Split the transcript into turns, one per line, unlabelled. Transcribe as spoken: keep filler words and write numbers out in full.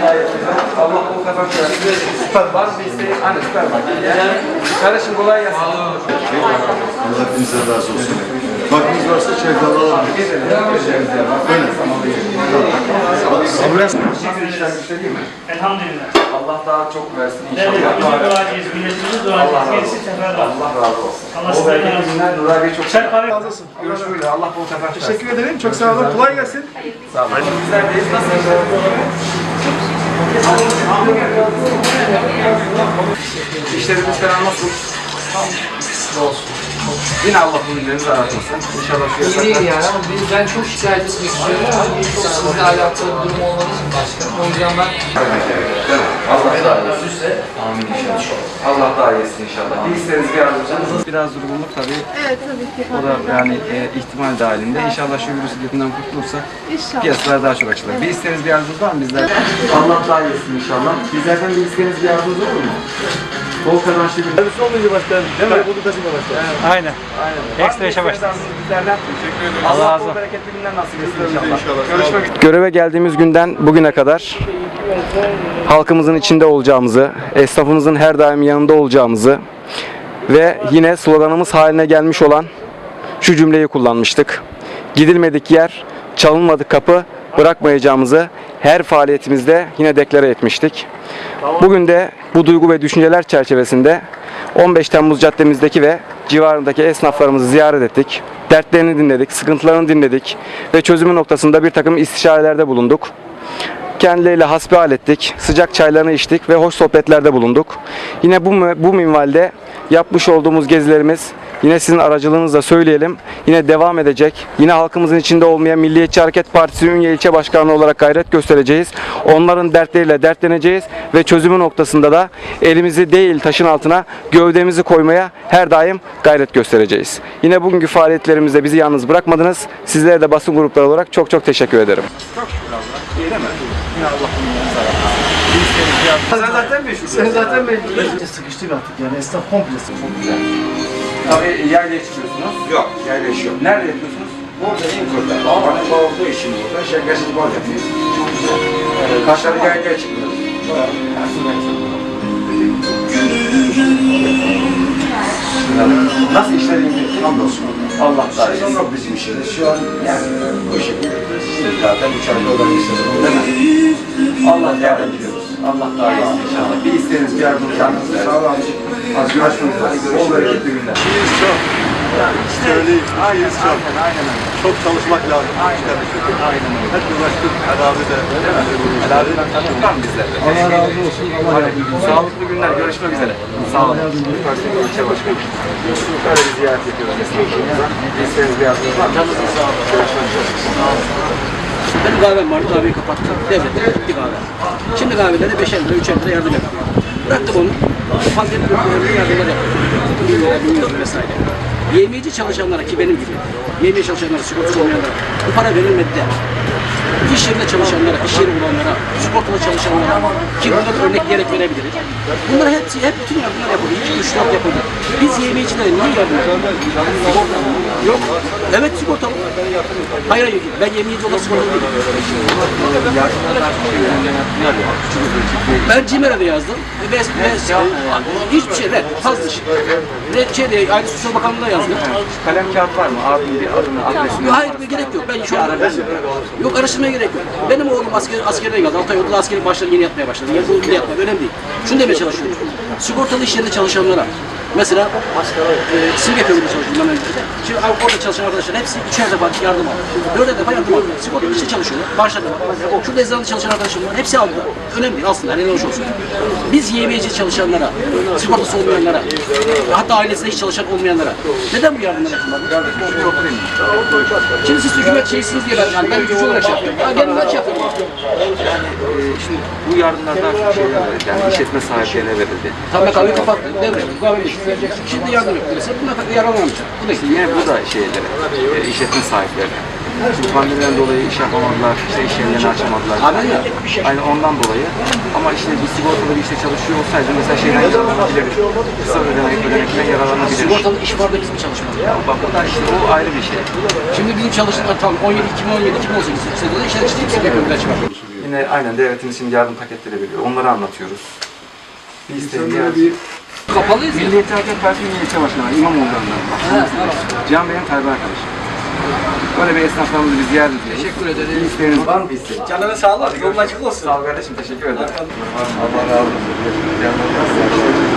Allah o kazanç versin. Süper. Var mı bir isteğin? Hani süper bak. Kardeşim kolay gelsin.
Allah hepinize razı olsun. Vaktiniz varsa çayda alalım. Öyle. Ambulans.
Elhamdülillah.
Allah daha çok versin
Evet,
inşallah.
bizim duacıyız, milletimiz duacıyız. Gerisi teferruat.
Allah razı olsun.
Allah
O
sizden
bereketli
razı olsun.
günler Nur abiye çok
Çay kahve.
Razı olsun.
görüşmek üzere. Allah bol kazanç versin.
Teşekkür ederim. Çok sağ olun. Kolay gelsin.
Sağ olun. Bizlerdeyiz. Nasıl işleriniz? İşlerimiz falan nasıl?
Olsun.
Yine Allah bu günlerinizi aratmasın. İnşallah şu
İyi değil
yasaklar.
yani ama biz, ben çok şikayet etmek istiyorum ama çok sizinle alakalı bir durum olmadığı için başkanım. O yüzden ben
Allah daha iyi. Amin inşallah. Allah daha iyisin inşallah. Bir isteğiniz bir yardımcınız. Biraz durgunluk tabii.
Evet tabii ki.
O da yani e, ihtimal dahilinde. İnşallah şu virüs iletinden kurtulursak
İnşallah.
piyasalar daha çok açılır. Bir isteğiniz bir yardımcınız var mı bizden? Allah daha iyisin inşallah. Bizlerden bir isteğiniz bir yardımcınız olur mu? Bol kazançlı bir
Servisi olmayınca başlar. Değil mi? Burada taşıma başlar.
Aynen.
Aynen.
Ekstra işe başlarız.
Bizlerden teşekkür ederim.
Allah
Allah
razı
bol
olsun.
bereketli günler nasip etsin inşallah. Görüşmek üzere. Göreve geldiğimiz günden bugüne kadar halkımızın içinde olacağımızı, esnafımızın her daim yanında olacağımızı ve yine sloganımız haline gelmiş olan şu cümleyi kullanmıştık. Gidilmedik yer, çalınmadık kapı bırakmayacağımızı her faaliyetimizde yine deklare etmiştik. Bugün de bu duygu ve düşünceler çerçevesinde on beş Temmuz caddemizdeki ve civarındaki esnaflarımızı ziyaret ettik. Dertlerini dinledik, sıkıntılarını dinledik ve çözümü noktasında bir takım istişarelerde bulunduk. Kendileriyle hasbihal ettik, sıcak çaylarını içtik ve hoş sohbetlerde bulunduk. Yine bu, bu minvalde yapmış olduğumuz gezilerimiz yine sizin aracılığınızla söyleyelim. Yine devam edecek. Yine halkımızın içinde olmayan Milliyetçi Hareket Partisi Ünye İlçe Başkanı olarak gayret göstereceğiz. Onların dertleriyle dertleneceğiz ve çözümü noktasında da elimizi değil taşın altına gövdemizi koymaya her daim gayret göstereceğiz. Yine bugünkü faaliyetlerimizde bizi yalnız bırakmadınız. Sizlere de basın grupları olarak çok çok teşekkür ederim. Çok şükür Allah. İyi değil mi? Yine Allah Sen zaten meşhur.
Sen zaten belli. Sıkıştık artık yani. Esnaf komple
Çok güzel. Tabii yaylaya çıkıyorsunuz.
Yok, yerleşiyor.
Nerede yapıyorsunuz?
Burada en kurda. Babanın bağırdığı işim burada. Şekersiz bal yapıyor.
Çok güzel. Ee, Kaşları yaylaya çıkıyoruz. Nasıl işler iyi?
Hamdolsun.
Allah daha iyi.
Yok bizim işimiz. Şu an yani bu şekilde. Zaten üç ayda olan bir sene oldu.
Değil mi? Allah yardım ediyoruz. Allah daha iyi inşallah. Bir isteğiniz, bir yardımcı yardımcı.
Sağ olun.
Az görüşmek üzere. Bol bereketli günler.
İşimiz çok. Söyleyeyim.
Aynen,
İşimiz çok.
aynen, aynen öyle.
Çok çalışmak lazım.
Aynen öyle. Aynen öyle.
Hep uğraştık. Herhalde de.
Helalinden tanıdık var mı bizlerle? Allah razı olsun. Allah razı olsun. Sağlıklı günler. Görüşmek üzere. Sağ olun. Süpersiniz ilçe başkanı. Böyle bir ziyaret ediyoruz esnaflarımıza. Bir isteğiniz, bir yardımcı var mı? Sağ olun. Görüşmek üzere.
Benim kahvem vardı, kahveyi kapattım. Devlette bitti kahve. Şimdi kahvelere beşer lira, üçer lira yardım yapıyor. Bıraktık onu. Fazla ürünlerine yardımlar yapıyor. Bir lira, bin lira vesaire. Yemeyeci çalışanlara ki benim gibi, yemeye çalışanlara, sigortası olmayanlara bu para verilmedi de iş yerinde çalışanlara, iş yeri olanlara, sigortalı çalışanlara ki burada da örnekleyerek verebiliriz. Bunlar hepsi, hep bütün yardımlar yapıldı. İki, üç, dört yapıldı. Biz yemeyecilere niye yardım ediyoruz? Sigorta yok. Evet sigortalı. Hayır hayır, ben yemeyeci olarak sigortalı değilim. Ben CİMER'e de yazdım. Ve, ve, hiçbir şey, red, fazla şey. Red, şey de, Aile Sosyal Bakanlığı'na yazdım.
Kalem kağıt var mı? Abim bir adını, adresini.
Yok, hayır, gerek yok. Ben şu an yok, araştırmaya gerek yok. Benim oğlum asker, askerden geldi. altı ay oldu da askeri başladı, yeni yatmaya başladı. Yeni oğlum yatmaya, önemli değil. Şunu demeye çalışıyorum. Sigortalı iş yerinde çalışanlara, mesela e, simge kömürde çalışıyorum ben önce. Şimdi orada çalışan arkadaşlar hepsi üçer defa yardım aldı. Dörder defa yardım aldı. Sigortalı işte çalışıyorlar. Başladı. Şurada eczanede çalışan arkadaşım var. Hepsi aldı. Önemli değil aslında. Ne hoş olsun. Biz yemeyeci çalışanlara, sigortası olmayanlara, hatta ailesinde hiç çalışan olmayanlara neden bu yardımlar yapılmadı? Şimdi siz hükümet şeysiniz diye ben, yani ben gücü olarak şey yapıyorum. Ya gelin ben şey yapıyorum.
Yani e, şimdi bu yardımlar daha çok şeyler verildi. Yani işletme sahiplerine verildi.
Tabii kahveyi kapattı. Devret. Kahve vereceksin. Şimdi yardım yok. Mesela buna yararlanamayacak. Bu da işte.
Yine bu da şeylere, e, işletme sahiplerine. Şimdi pandemiden dolayı iş yapamadılar, işte iş yerlerini açamadılar.
Haber ya.
Aynen ondan dolayı. Ama işte bir sigortalı bir işte çalışıyor olsaydı mesela şeyden yararlanabilirdi. Kısa ödenek, ödenekten yararlanabilir.
Sigortalı iş var da biz mi çalışmadık?
Ya bak o da işte o ayrı bir şey.
Şimdi bizim çalışanlar tam on yedi, iki bin on yedi, iki bin on sekiz sezonunda işler işte yüksek ekonomiler çıkar.
Yine aynen devletimiz şimdi yardım paketleri veriyor. Onları anlatıyoruz. Bir isteğin bir
Kapalıyız ya.
Milliyetçi Hareket Partisi'nin ilçe başkanı var, İmamoğlu'ndan. Can Bey'in Tayyip arkadaşı. Böyle bir esnaflarımızı bir ziyaret ediyoruz.
Teşekkür ederim.
Bir isteğiniz var mı bir isteğin?
Canına sağlık. Yolun açık olsun.
Sağ ol kardeşim, teşekkür ederim.
Allah razı olsun.